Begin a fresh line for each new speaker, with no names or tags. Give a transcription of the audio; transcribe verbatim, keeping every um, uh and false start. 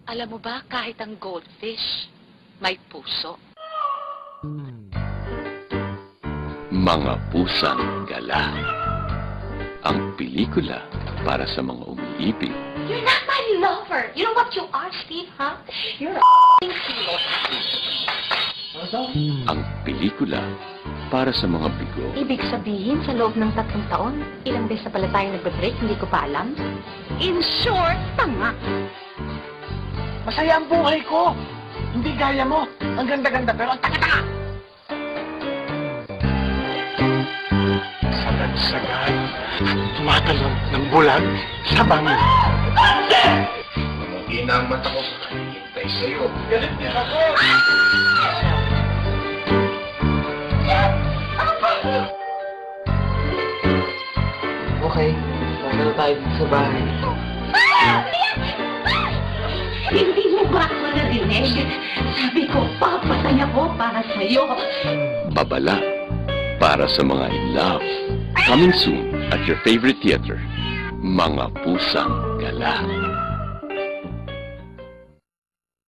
Alam mo ba, kahit ang goldfish, may puso.
Mga Pusang Gala. Ang pelikula para sa mga umiibig.
You're not my lover. You know what you are, Steve, huh? You're a f***ing kilo.
Ang pelikula para sa mga bigo.
Ibig sabihin, sa loob ng tatlong taon, ilang beses na pala tayo nagbe-break, hindi ko pa alam. In short, tanga.
Masaya ang buhay ko. Hindi gaya mo. Ang ganda-ganda pero ang taka-taka. Sagad-sagad. Tumatalon ng bulag sa bangin.
Mamuti na ang mata ko. Hintay sa'yo.
Galit din ako.
Okay, wala na tayo sa bahay.
Hindi mo ba ako narinig? Sabi ko, papatay ako para sa'yo.
Babala para sa mga in love. Coming soon at your favorite theater. Mga Pusang Gala.